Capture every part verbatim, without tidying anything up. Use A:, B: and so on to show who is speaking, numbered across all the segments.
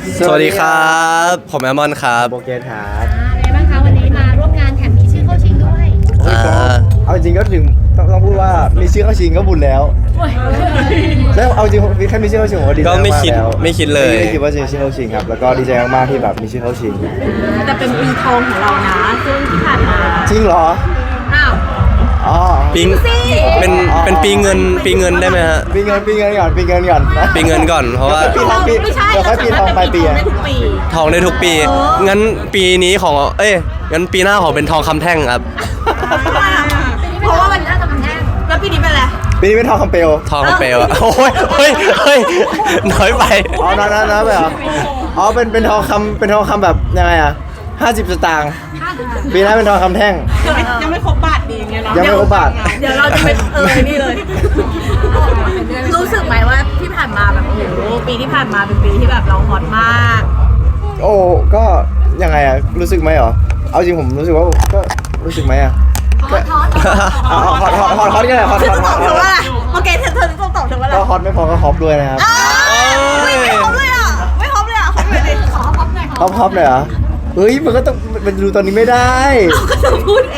A: สวัสดีครับผมแอมมอนครับ
B: โบเกตครับ
C: เป็นไงบ้างคะวันนี้มาร่วมงานแถมมีชื่อเข้าชิงด้วย
A: อ่า
B: เอาจริงก็ถึงต้องต้องพูดว่ามีชื่อเข้าชิงก็บุญแล้วแล้วเอาจริงแค่มีชื่อเข้าชิงผมก็ดีใจ
A: ก็
B: มาก
A: ไม่คิด
B: แล้ว
A: ไม่คิดเลย
B: ไม่คิดว่าจะมีชื่อเข้าชิงครับแล้วก็ดีใจมากๆที่แบบมีชื่อเข้าชิง
D: แต่เป็นปีทองของเรานะซึ่งที่ผ่านมา
B: จริงเหรอ
D: อ้าว
B: อ๋อ
A: ปีเป็นเป็นปีเงินปีเงินได้ไหมฮะ
B: ปีเงินปีเงินก่อนปีเงินก่อนนะ
A: ปีเงินก่อนเพราะว่า
B: ปีทองปี
D: ไม่ใช่
B: เดี๋ยวค่อยปีทองปลายปีอะ
D: ได้ทุกปี
A: ทองได้ทุกปี งั้นปีนี้ของเอ้ยงั้นปีหน้าขอเป็นทองคำแท่งครับ
D: เพราะว่ามันน่าจะมันแน่แล้วปีนี้เป็นอะไร
B: ปีนี้เป็นทองคำเปลว
A: ทองคำเปลวอะโอ้ยเฮ้ยเฮ้ยน้อยไป
B: อ๋อนะนะนะไปเหรออ๋อเป็นเป็นทองคำเป็นทองคำแบบยังไงอะห้าสิบสตางค์ปีหน้าเป็นทองคำแท่ง
D: ยังไม่ครบบาทดีไงเนาะ
B: ยังไม่ครบบาท
D: เดี๋ยวเราจะไปเออนี่เลย รู้สึกไหมว่าที่ผ่านมาแบบโอ้โหปีที่ผ่านมาเป็นปีที่แบบเราฮอตมาก
B: โอ้ก็ยังไงอะรู้สึกไหมเหรอเอาจริงผมรู้สึกว่าก็รู้สึกไหมอะ
C: ทอดทอด
B: อ๋อฮอตฮอตฮอตฮอตกันเลยฮอต
D: เธ
B: ฮ
D: อ
B: อต
D: ต้อง
B: ฮ
D: ต
B: อ
D: อบ
B: ต
D: เธอว่าอะไรโอเคเธอเธอต้องตอบเธอว่าอะไร
B: ก็ฮอตไม่พอก็ฮอปด้วยนะครับ
D: ไม่ไม่ฮอปเลยอ่ะไม่ฮอปเลยอ่ะฮอปเลยดิ
C: ขอพบหน่อย
B: ฮอปฮอปเลยเหรอเฮ้ยมันก็ต้องมันดูตอนนี้ไม่ได้
D: ก็จะพูดเอง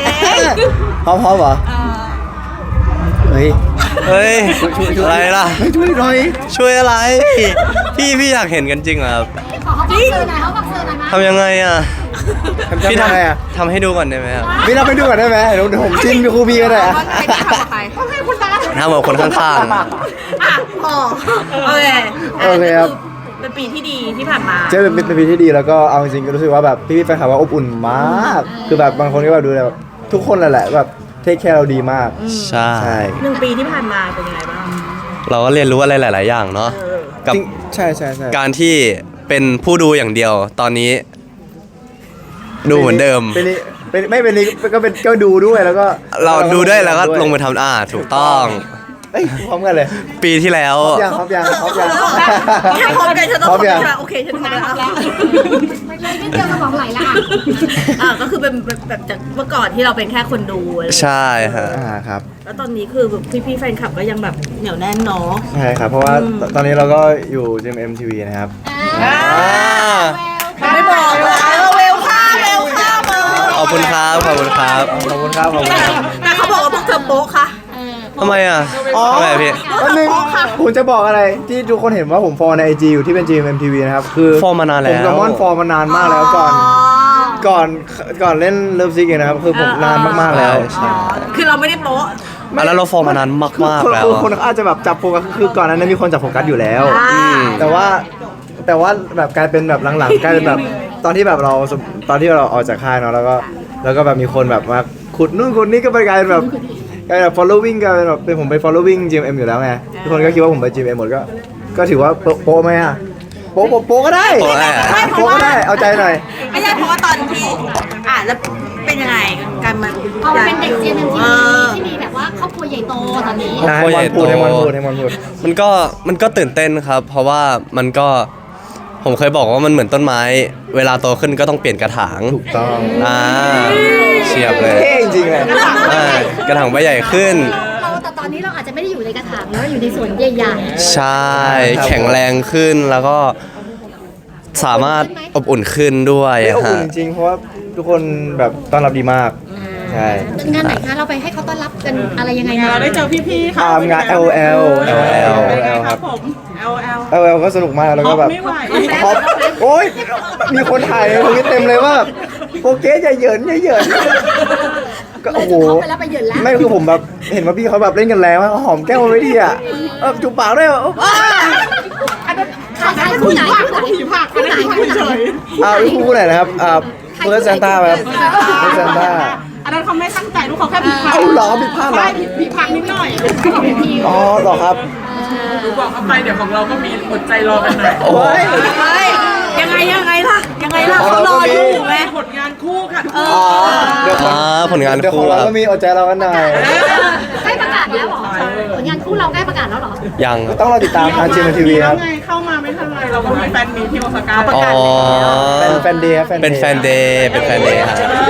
B: ฮอปฮอปเหรอเฮ้ย
A: เฮ้ยอะไรล่ะ
B: ไม่ช่วยหน่อย
A: ช่วยอะไร พี่พี่อยากเห็นกันจริงเหรอครับ
C: ขอเขาบักเซอร์หน่อยเขาบักเซอร์หน่อยมา
A: ทำยังไงอ่ะ
B: ทำ
A: พี่
B: ยังไงอะ
A: ทำทำให้ดูก่อนได้ไหมครับ
B: พี่เราไปดูก่อนได้ไหมเดี๋ยวเดี๋ยวผมจิ้มครูบีก็ได้อะ
D: ใครจะทำกับใคร
A: ทำกับคนข้าง
D: อ่ะพอโอเค
B: โอเคครับ
D: เป็นปีที่ดีที่ผ่านมา
B: เจ๊เป็นเป็นเป็นปีที่ดีแล้วก็เอาจริงๆก็รู้สึกว่าแบบพี่ๆแฟนคลับว่าอบอุ่นมาก คือแบบบางคนก็แบบดูแบบทุกคนแหละแบบเทคแคร์เราดีมาก
A: ๆ ใช่
B: ใช่
D: หนึ่งปีที่ผ่านมาเป็นยังไงบ้าง
A: เราก็เรียนรู้อะไรหลาย ๆ อย่างเนาะ
D: เออ
A: กับ
B: จริงใช่ใช่ใช่
A: การที่เป็นผู้ดูอย่างเดียว ตอนนี้ ดูเหมือนเดิม
B: เป็นนี่เป็นไม่เป็นนี่ก็เป็นก็ดูด้วยแล้วก็
A: เราดูด้วยแล้วก็ลงมือทำอ่าถูกต้อง
B: เอ้ยพร้อมกันเลย
A: ปีที่แล้ว
B: ยังครับยังครับยัง
D: แค่พร้อมกันฉันต้อง
B: พร้
D: พ
B: อ
D: ร้
B: ม
D: อม
B: ยัง
D: กันโอเคฉันพร้อมแล้ว
C: ไม่เลยนิดเดียวสมองไหลละ
D: อ่าก็คือเป็นแบบแบบจากเมื่อก่อนที่เราเป็นแค่คนดูอะไรอย่างเงี้ย
A: ใช่ฮะ
B: อ่าครับ
D: แล้วตอนนี้คือแบบพี่ๆแฟนคลับก็ยังแบบเหนียวแน่นเนาะ
B: ใช่ครับเพราะว่าตอนนี้เราก็อยู่ จี เอ็ม เอ็ม ที วี นะครับ
A: อ่า
D: ไม่บอกเลยเราเวลค่าเวลค่ามา
A: ขอบคุณครับ ขอบคุณครับ
B: ขอบคุณครับขอบคุณครับ
D: แต่เขาบอกว่าพวกเธอโป๊ะค่ะ
A: ทำไมอ่ะ
B: อ๋อ
A: ทำไมอะพี่
B: วันหนึงผมจะบอกอะไรที่ทุกคนเห็นว่าผมฟอลใน ไอ จี อยู่ที่เป็น จี เอ็ม เอ็ม ที วี นะครับคือ
A: ฟอลมานานแล้ว
B: ผมกับม่อนฟอลมานานมากแล้วก่อนก่อนก่อนเล่นเลิฟซิกนะครับคือผมนานมากๆแล้ว
A: ใช่
D: คือเราไม่ได้โป๊ะ
A: อ่ะแล้วเราฟอร์มมานานมาก
B: คน
A: ๆแล้ว
B: คน
A: อะ
B: คนอาจจะแบบจับโฟกัสคือก่อนหนั้นมีคนจับโฟกัสอยู่แล้ว
D: อ่า
B: แต่ว่าแต่ว่าแบบกลายเป็นแบบหลังๆกลายเป็นแบบตอนที่แบบเราตอนที่เราออกจากค่ายเนาะแล้วก็แล้วก็แบบมีคนแบบมาขุดนู่นขุดนี่ก็ไปกลายเป็นแบบกลายเป็นแบบ following กลายเป็นแบบเป็นผมไป following จี เอ็ม เอ็ม อยู่แล้วไงทุกคนก็คิดว่าผมไป จี เอ็ม เอ็ม หมดก็ก็ถือว่าโป๊ะโป๊ะไหมอะโป๊ะโป๊ะโป๊ะก็ได้
A: โป๊ะได้อะ
B: โป๊ะก็ได้เอาใจหน่อย
D: ไม่ใช่เพราะว่าตอนที่อ่าแล้วเป็นยังไงการมา
C: พอมาเป็นเด็กเจนเอ็มที
D: เอ
C: วี
D: อ
C: ที่มีแบบว่าครอบครัวใหญ่โตตอนนี้
B: ให้
A: โอ้ย
B: มอนพูด
A: โต
B: ให้มอนพูดให้มอนพูด
A: มันก็มันก็ตื่นเต้นครับ เพราะว่ามันก็ผมเคยบอกว่ามันเหมือนต้นไม้ เวลาโตขึ้นก็ต้องเปลี่ยนกระถาง
B: ถูกต้อง
A: อ่าเฉียบเลย
B: เท่จริงๆเลย
A: อ่ากระถางใบใหญ่ขึ้น
C: เราแต่ตอนนี้เราอาจจะไม่ได้อยู่ในกระถางแล้วอยู่ในสวนใหญ่
A: ใช่ แข็งแรงขึ้นแล้วก็สามารถอบอุ่นขึ้นด้วย
B: เฮ้ยอบอุ่น
A: ฮะ
B: จริงๆเพราะว่าทุกคนแบบต้อนรับดีมาก ใช่
C: ๆงานไหนคะเราไปให้เขาต้อนรับกันอะไรยังไงมา
E: เราได้เจอพี่ๆค่ะ
B: อ่างาน แอล แอล แอล แอล
E: เป็นไง
B: แอล
E: ค
B: ค
E: รั
B: รั
E: บบ ผม L L
B: แอล แอล ก็สนุกมากแล้วก็แบบ
E: ไม่ไหว
B: ฮอปโอ๊ยมีคนถ่ายในทวิตเต็มเลยว่าแบบโปรเกสอย่าเหยินอย่าเหยินก็
C: เลย
B: โอ้โห
C: จะเข้าไปแล้วไปเหยินแล้ว
B: ไม่คือผมแบบเห็นว่าพี่เขาแบบเล่นกันแรงมากหอมแก้มมันไม่ดีอ่ะเออจูบปากด้วยอ่ะ
C: ใครใครคู่ไหนคู่ไหน
E: ผีผัก
C: คู่ไหนคู่ไหน
B: อ่าพี่คู่ไหนนะครับอ่าเพื่อนซานต้าครับเพื่อนซานต้า
E: อันนั้นเขาไม่ตั้งใจลูกเขาแค่ผีผัก
B: เอาเหรอผิดพลาดเหรอ
E: ใช่ผีผักนิดหน่อย
B: อ๋อเหรอครับ
E: ดูบอกเขาไปเดี๋ยวของเราก็มีอดใจรอกันหน่อย
B: โอ้ย
D: เฮ้ยยังไงยังไงล่ะยังไงล่ะเขารออยู่ไหม
E: ผลงานคู่ค่ะ
D: เอ
B: อ๋อ
D: อ
B: เดี๋ยวขอ
A: อ่าผลงาน
B: เดี๋ยวข
A: คู่
B: องเรา
A: ครับ
B: ก็มีอดใจเรากันหน่อย
C: ใกล้ประกาศแล้วเหรอผลงานคู่เราใกล้ประกาศแล้วเหรอ
A: ยัง
B: ต้องรอติดตามทางจีเอ็ม ที วี ครับ
E: ไงเข้ามาไม่ทันไรเราก็มีแฟนมีที่โอซาก้า
A: อ๋อ
B: เป็นแฟนเดย์ครับ
A: เป็นแฟนเดย์เป็นแฟนเดย์ครับ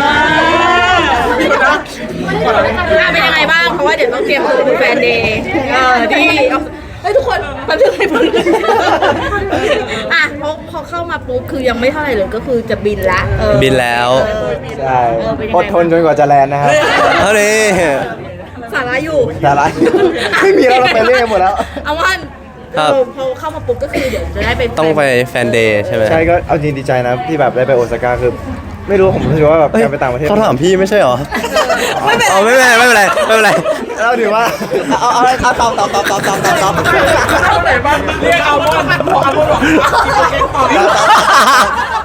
D: อ่ะเป็นยังไงบ้าง เพราะว่าเดี๋ยวต้องเตรียมตัวดูแฟนเดย์เออดีเฮ้ยทุกคนมาถึงให้เพิ่งอ่ะเขาเขาเข้ามาปุ๊บคือยังไม่เท่าไหร่เลยก็คือจะบินละเออ
A: บินแล้ว
D: เออ
B: ใช่
D: เออเป็นยังไง
B: อดทนจนกว่าจะแลนด์นะครับ
A: เท่านี้
D: สาระอยู่
B: แต่ละ ไม่มีแล้วเราไปเรื่อยหมดแล้ว
D: เอาว่า
A: ครับ
D: เออพอเข้ามาปุ๊บก็คือเดี๋ยวจะได้ไป
A: ต้องไปแฟนเดย์ใช่ไหม
B: ใช่ก็เอาจริงดีใจนะที่แบบได้ไปโอซาก้าคือ ไม่รู้ผมรู้สึกว่าแบบ
A: เอ้ย
B: การไปต่างประเทศ
A: เขาถามพี่ไม่ใช่เหรอ
D: ไม่เป็นไร
A: เอาไม่เป็นไรไม่เป็นไรไม่เป็นไร
B: เราถือว่าเอาเอาเอาตอบตอบตอบตอบตอบตอบตอบ
E: เอาไหนบ้างเรียกเอาบอลบอกเอาบอลบอกกินโปเกมอน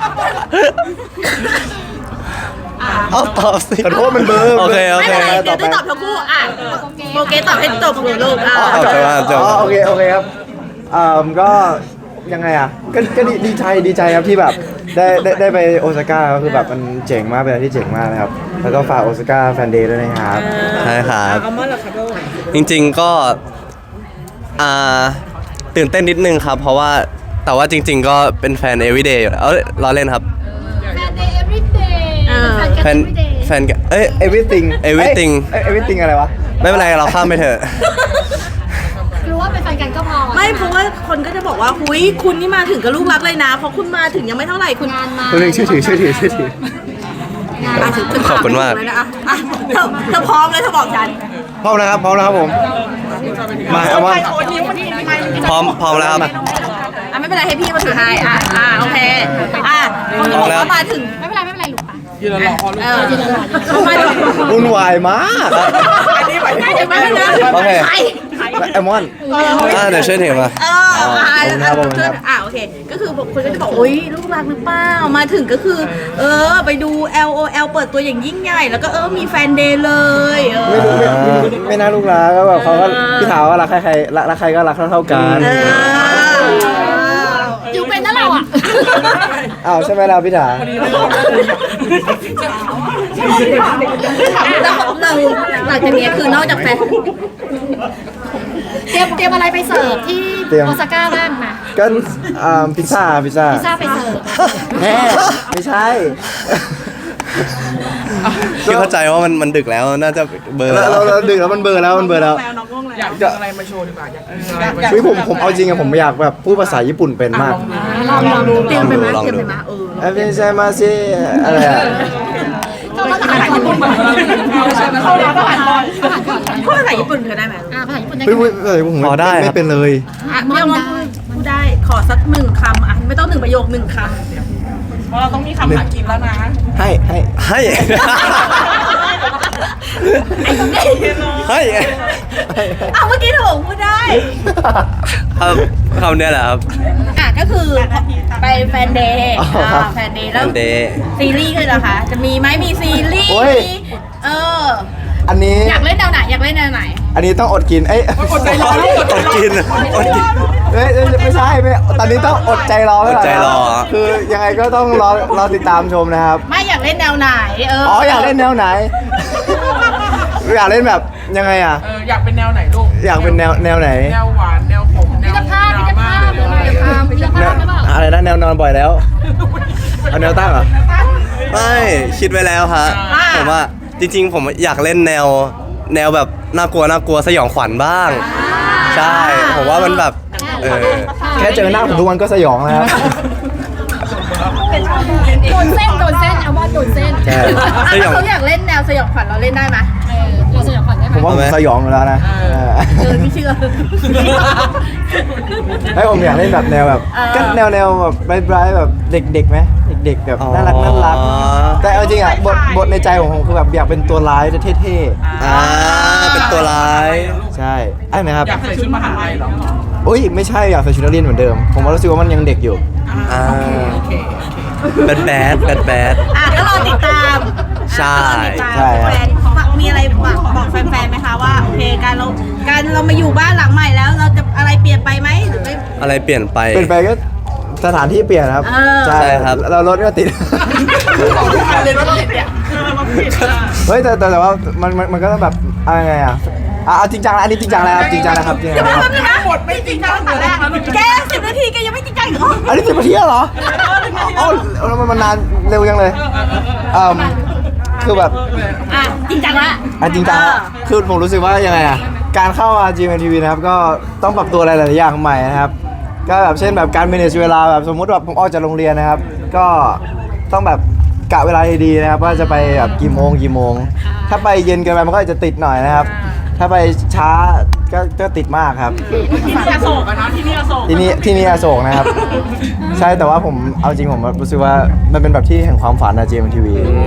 A: เอาตอบสิ
B: ขอโทษมันเบลอร์
A: โอเคโอ
D: ไม่
A: เค
D: เป็นไรเดี๋ยวได้ตอบทั้งคู่อ่ะโอเคตอบให้จบเลยลูกอ่ะ
A: อ๋อจบแล้วจบ
B: อ๋อโอเคโอเคครับอ่าก็ยังไงอ่ะก็ก็ดีดีใจดีใจครับที่แบบได้ได้ได้ไปโอซาก้าก็คือแบบมันเจ๋งมากเป็นอะไรที่เจ๋งมากนะครับแล้วก็ฝากโอซาก้าแฟนเดย์ด้วยนะครับ
A: ใช่ครับ
D: เอามาเหรอครับลูก
A: จริงๆก็อ่าตื่นเต้นนิดนึงครับ เพราะว่าแต่ว่าจริง ๆ ก็เป็นแฟน everyday อยู่แล้วเอ้ยล้อเล่นครับ
C: แฟนเดย์ everyday
A: แฟน
C: everyday
A: แฟนกันเอ้ย
B: everything
A: everything
B: เอ้ย everything อะไรวะ
A: ไม่เป็นไรเราข้ามไปเถอะ
C: รู้ว่าเป็นแฟนกันก็พอ
D: ไม่เพราะว่าคนก็จะบอกว่าหุยคุณนี่มาถึงกับลูกรักเลยนะเพราะคุณมาถึงยังไม่เท่าไหร่คุณ
C: งานมา
B: ตัวหนึ่งชื่อถือชื่อถือชื่อถือ
C: งาน
D: อ่ะ
C: มา
D: ถึงถึง
A: ขอบคุณมาก
D: เลยนะอ่ะอ่ะเธอเธอพร้อมเลยเธอบอกฉัน
B: พร้อมนะครับพร้อมนะครับผมมาเอาว่า
A: พร้อมพร้อมแล้วครับ
D: อ่ะไม่เป็นไรให้พี่มาถือให้อ่ะอ่ะโอเคอ่ะคนก็บอกว่ามาถึง
C: ไม่เป็นไรไม่เป็นไรลูกปะ
E: ยืนรอลูก
D: เออเขามาถึง
B: วุ่นวายมาก
E: อันนี้หมายถึง
D: ไม่ไม่ไม่
A: โอเค
D: ใคร
B: ไอมอน
A: อ่าเดี๋ยวช่วยถือมา
D: เอออ่ะ
B: ขอบคุณครับขอบคุณครับ
D: อ่ะโอเค ก็คือคนก็จะบอกโอ๊ยลูกรักหรือเปล่ามาถึงก็คือ เออไปดู แอล โอ แอล เปิดตัวอย่างยิ่งใหญ่ แล้วก็เออมีแฟนเดย์เลยเอ
B: ไม่
D: อ
B: รู้ไม่ไม่ไม่น่าลูกรักก็แบบเขาก็พี่ถามว่ารักใครใครรักรักใครก็รักเท่าเท่าๆกัน
D: เออ
C: อยู่เป็นนะเราอ่ะ
B: อ้าวใช่ไหมล่ะพี่ถา
D: แล้วเราหลังจากนี้คือนอกจากแฟน
C: เตรียมเตรียมอะไรไปเสิร์ฟที่โอซาก้าบ้างนะ
B: ก็อ่าพิซซ่าพิซซ่า
C: พิซซ่าไปเสิร์ฟ
B: แม่ไม่ใช่
A: พี่เข้าใจว่ามันมันดึกแล้วน่าจะเบอร์
B: เราเราเราดึกแล้วมันเบลอร์แล้วมันเบลอร์แล้ว
E: อยากอะไรมาโชว์ดีกว่าอยากอยาก
B: เฮ้ยผมผมเอาจริงอะผมอยากแบบพูดภาษาญี่ปุ่นเป็นมาก
C: ลองลองดู
D: เตรียมไปไหมเตรียมไปไหมเออ
B: เอ้ยไม่ใช่มาสิอะไรอะ
C: ก็ภาษาญี่ปุ่นเข้าแล้วก็อ่านก่อนอ่านก่อน
D: พูดภาษาญี่ปุ่นเธอได้ไหม
C: อ่าภาษาญี่ปุ่นได้
B: เฮ้ยพูดเฮ้ยผมไม่ไม่เป็นเลย
D: อ่ะเรื่องว่าพูดได้ขอสักหนึ่งคำอ่ะไม่ต้องหนึ่งประโยคหนึ่งคำ
E: เพราะเราต้องมีคำหากินแล้วนะ
B: ให้ให้
A: ให้ให้
D: เอาเมื่อกี้เธอบอกพูดได้
A: ครับคำเนี้ยแหละครับ
D: อ่ะก็คือไปแฟนเดย์อ่าแฟนเดย์แล้ว
A: Fan Day
D: ซีรีส์เลยเหรอคะจะมีไหมมีซีรีส์มีเออ
B: อันนี้
D: อยากเล่นแนวไหนอยากเล่นแนวไหน
B: อันนี้ต้องอดกินเอ้ย
E: อดใจรอลูกอดใจ
A: อด
E: รอ
A: กินอดกิน
B: เอ้ยเอ้ยไม่ใช่ไม่ตอนนี้ต้องอดใจรอไว้ก่น
A: อดใจรอ
B: คือยังไงก็ต้องรอรอติดตามชมนะครับ
D: ไม่อยากเล่นแนวไหนเออ
B: อ๋
D: อ๋
B: ออยากเล่นแนวไหน อยากเล่นแบบยังไงอ่ะ
E: เอออยากเป็นแนวไหนลูก
B: อยากเป็นแนวแนวไหน
E: แนวหวานแนวขมแน
C: พิ
E: ว
C: จภาพ
E: ด
C: พิ
E: รา
C: จ
E: ม่า
C: ภาพหรืออะไรครับพิจภาพหรือเปล่า
B: อะไรนะแนวนอนบ่อยแล้ว เอาแนวตั้งเหรอ
A: ไม่คิดไว้แล้วฮะผมว่าจริงๆ ผมอยากเล่นแนวแนวแบบน่ากลัวน่ากลัวสยองขวัญบ้าง ใช่ผมว่ามันแบบเออ
B: แค่เจอหน้าผมทุกวันก็สยองแล้วครับ
C: โดนเส้นโดนเส้นเอาว่าโดนเส้น
B: ใช่
D: อ่ะถ้าเขาอยากเล่นแนวสยองขวัญเราเล่นได้ไหม
C: เออเราสยองขวัญได้ไหม
B: ผมว่าผมสยองอยู่แล้วนะ
D: เออไม่เชื่อ
B: ไอ้ยผมอยากเล่นแบบแนวแบบ
D: เออ
B: ก็แนวแนวแบบไบรท์ๆแบบเด็กๆไหมเด็กๆแบบน่ารักน่ารัก
A: อ๋อ
B: แต่เอาจริงอ่ะบทบทในใจของผมคือแบบอยากเป็นตัวร้ายเท่
A: อ่าเป็นตัวร้าย
B: ๆ ใช่ไอ้นะครับ
E: อยากใส่ชุดมหาลัยเหรอ
B: อุ้ยไม่ใช่อยากใส่ชุดนักเรียนเหมือนเดิม ผมว่ารู้สึกว่ามันยังเด็กอยู่
A: อ่า
E: โอเค
A: แบดแบดแบดแบด
D: อ่ะก็รอติดตาม
A: ใช่
D: ก็รอติดตาม
B: ใช่ครับ
D: แฟนมีอะไรบอกบอกแฟนๆไหมคะว่าโอเคการเราการเรามาอยู่บ้านหลังใหม่แล้ว เราจะอะไรเปลี่ยนไปไหมหรือไม่
A: อะไรเปลี่ยนไป
B: เป็นไปก็สถานที่เปลี่ยนครับ
D: เออ
B: ใช่
A: ใช่ครับ
B: เรารถก็ติด
E: บอกทุกอันเลยว่าผิดเนี่ยเราผิดอ่ะ
B: เฮ้ยแต่แต่แต่ว่ามันมันมันก็ต้องแบบอะไรไงอ่ะอ่ะเอาจริงจังแล้วอันนี้จริงจังแล้วครับจริงจังนะครับจริง
D: เดี๋
B: จั
D: ยว
B: ง
D: มา
B: นะครับ
D: แป๊บนึงนะหมดไม่จริงจังตั้งแต่แรกแกสิบนาทีแกยังไม่จริงจังอีกเหรอ
B: อันนี้สิบนาทีแล้วเหรอเอ้าแล้วมันมันนานเร็วยังเลยเอ่อคือแบบ
D: อ่ะจริงจังละ
B: อ่ะจริงจังแล้วคือผมรู้สึกว่ายังไงอ่ะการเข้ามา จี เอ็ม ที วี นะครับก็ต้องปรับตัวอะไรหลายๆอย่างใหม่นะครับ กก็แบบเช่นแบบการ manage เวลาแบบสมมุติแบบผมออกจากโรงเรียนนะครับ ก็ต้องแบบกะเวลาดีๆนะครับว่าจะไปแบบกี่โมงกี่โมง ถ้าไปเย็นเกินไปมันก็อาจจะติดหน่อยนะครับ ถ้าไปช้าก็ก็ติดมากครับ
E: ที่นี่อโศกอะนะที่นี่อโศก
B: ที่นี่ที่นี่อโศกนะครับ ใช่แต่ว่าผมเอาจริงผมรู้สึกว่ามันเป็นแบบที่แห่งความฝันนะ จี เอ็ม ที วี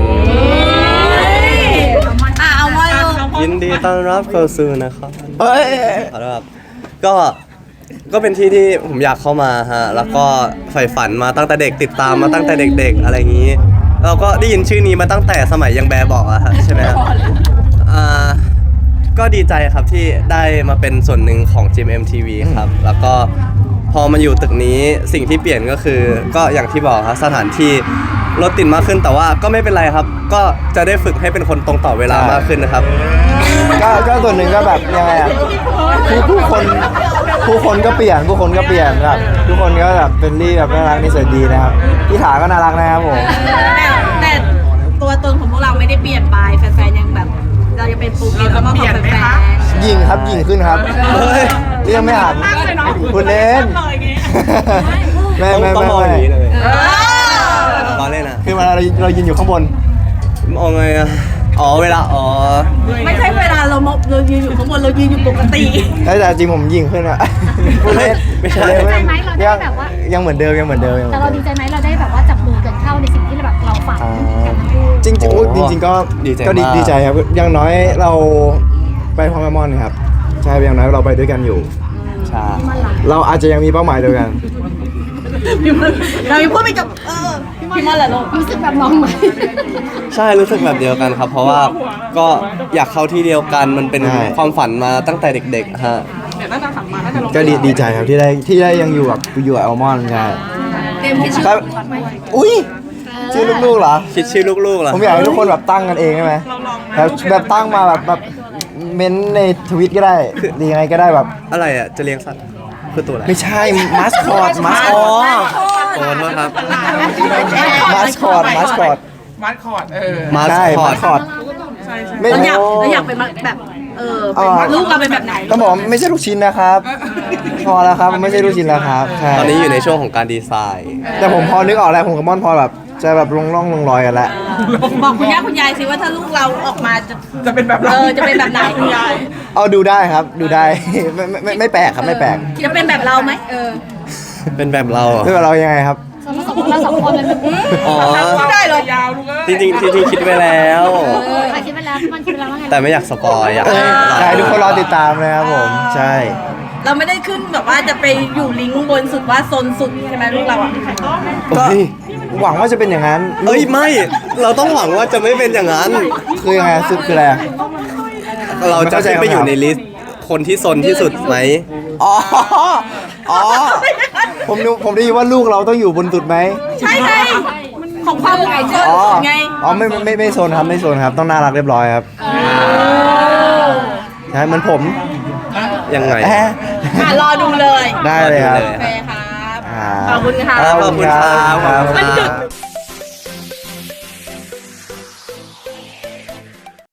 D: อ่ะเอามาเลย
A: ยินดีต้อนรับเข้าสู่นะครับ
B: เอ้ย
A: ขอโทษครับก็ก็เป็นที่ที่ผมอยากเข้ามาฮะแล้วก็ใฝ่ฝันมาตั้งแต่เด็กติดตามมาตั้งแต่เด็ก ๆ อะไรอย่างนี้เราก็ได้ยินชื่อนี้มาตั้งแต่สมัยยังแบบบอกอะฮะใช่ไหมครับอ่าก็ดีใจครับที่ได้มาเป็นส่วนหนึ่งของ จี เอ็ม ที วี ครับแล้วก็พอมาอยู่ตึกนี้สิ่งที่เปลี่ยนก็คือ ก็อย่างที่บอกครับสถานที่รถติดมากขึ้นแต่ว่าก็ไม่เป็นไรครับ ก็จะได้ฝึกให้เป็นคนตรงต่อเวลามากขึ้นนะครับ
B: ก็ก็ส่วนหนึ่งก็แบบยังไงอ่ะผู้ผู้คนผู้คนก็เปลี่ยนผู้คนก็เปลี่ยนแบบทุกคนก็แบบเป็นรี่แบบน่ารักนิสัยดีนะครับพี่ถาก็น่ารักนะครับผม
D: แต่แต่ตัวตนของพวกเราไม่ได้เปลี่ยนไปแฟนๆยังแบบ เรายังเป็นปูเกตแล้วมาขอแฟน
B: ยิงครับยิงขึ้นครับเฮ้ยเรียกไม่หันคุณเล่นไม่ไม่
A: ต้อง
B: ไม่
A: มองอย่างนี้เลย
D: ๆเออ
A: ตอนเล่นนะ
B: คือมันเราเรายืนอยู่ข้างบน
A: มองไงอะอ๋อเวลาอ๋อ
D: ไม่ใช่เวลาเรามองเรายืนอยู่ข้างบนเรายืนอยู่ปกติ
B: แต่จริงผมยิงขึ้นอะพูดเล่น
A: ไม่ใช่
B: พูด
C: ดีใจ
B: เล่น
C: ไหมเราได้แบบว่า
B: ยังเหมือนเดิมยังเหมือนเดิมยังเหมื
C: แต่
B: อน
C: เรา
B: เดิ
C: ดี
B: ม
C: ใจไหมเราได้แบบว่าจับมือกันเข้าในสิ่งที่แบบเราฝันกันทั้งคู่
B: จริงจริง
A: โอ้
B: จริงๆก็
A: ดีใจ
B: ก็ดี
A: มาก
B: ดีใจครับอย่างน้อยเราไปพร้อมกับมอนครับใช่อย่างน้อยเราไปด้วยกันอยู่
A: ใช่
B: เราอาจจะยังมีเป้าหมายเดียวกัน
D: เรายังพูดไม่จบเออพี่มอนแหละลูก
C: รู้สึกแบบน้องไหม
A: ใช่รู้สึกแบบเดียวกันครับ เพราะว่าก็อยากเข้าที่เดียวกันมันเป็น
B: ใช่
A: ความฝันมาตั้งแต่เด็กๆฮะ
E: เนี่ยน่าจะสั่งมาน่าจะลง
B: ก็ดีดีใจครับที่ได้ที่ได้ยังอยู่กับอยู่กับอัลมอนด์ใช่
D: เต็มที่ชื่อ
B: ครับอุ้ยชื่อลูกๆเหรอ
A: คิดชื่อลูกๆเหรอ
B: ผมอยากให้ทุกคนแบบตั้งกันเองใช่ไหมแบบแบบตั้งมาแบบแบบเม้นในทวิตก็ได้หรือยังไงก็ได้แบบ
A: อะไรอ่ะจะเลี้ยงสัตว์คือตัวอะไร
B: ไม่ใช่มาสคอตมาสค
A: อ๋
B: อ
A: อ
B: ต
A: โอนมาครับ
B: มาสคอตมาสคอต
E: มัดคอร์ดเออ
A: มาส
B: ได้
A: คอ
B: มา
A: ต
B: สคอต
E: ใช่ใช่
B: ไม่
D: เราอยาก
B: โอ้
D: เราอยากเป็นแบบเออเป็นลูกเราเป็นแบบไหน
B: ต้องบอกว่าไม่ใช่ลูกชิ้นนะครับ พอแล้วครับมันไม่ใช่ลูกชิ้นแล้วครับใช่
A: ตอนนี้อยู่ในช่วงของการดีไซน์
B: แต่ผมพอนึกออกแล้วผมกับม่อนพอแบบจะแบบลงร่องลงรอยกันแล้ว
D: บอกคุณย่าคุณยายสิว่าถ้าลูกเราออกมาจะ
E: จะเป็นแบบเรา
D: เออจะเป็นแบบไหนคุณยาย
B: เอาดูได้ครับดูได้ ไม่ไม่ไม่ไม่แปลกครับไม่แปลก
D: จะเป็นแบบเราไหมเออ
A: เป็นแบบเราเหรอ
B: เรื่องเรายังไงครับ
C: สมมติเราสองคนเลย
A: อ๋อ
D: ไม่ได้เลย
E: ยาวลูกเอ้ย
A: จริงๆจริงๆคิดไว้แล้ว
C: ใครคิดไปแล้วมันคิดไปแล้วว่าไง
A: แต่ไม่อยากสปอยอยาก
B: เอ
A: ให้
B: อ
A: เรา
B: ใช่ทุกคนรอติดตามเลยครับผมใช่
D: เราไม่ได้ขึ้นแบบว่าจะไปอยู่ลิงก์บนสุดว่าโซนสุดใช่ไหมลูกเราอ่ะ
B: ก็
A: เฮ้ย
B: หวังว่าจะเป็นอย่างนั้น
A: เอ้ยไม่ เราต้องหวังว่าจะไม่เป็นอย่างนั้น
B: คือยังไงสุดคืออะไร
A: เราจะขึ้นไปอยู่ในลิสต์คนที่ซนที่สุดไหม
B: อ๋ออ๋อผมนึกผมได้ยินว่าลูกเราต้องอยู่บนสุดไหม
D: ใช่ไงของความโซน
B: อ๋อ
D: สุดไง
B: อ๋อไม่ไม่ไม่ไม่โซนครับไม่โซนครับต้องน่ารักเรียบร้อยครับใช่เหมือนผม
A: ยังไง
B: แอะ
D: อ่ะรอดูเลย
B: ได้เลยครับ
D: โอเคครับ
B: อ่า
D: ขอบคุณค่ะ
A: ขอบคุณครับ
B: ขอบคุณ
D: มัน
B: ค
D: ดึ
B: รั
D: ก
B: บ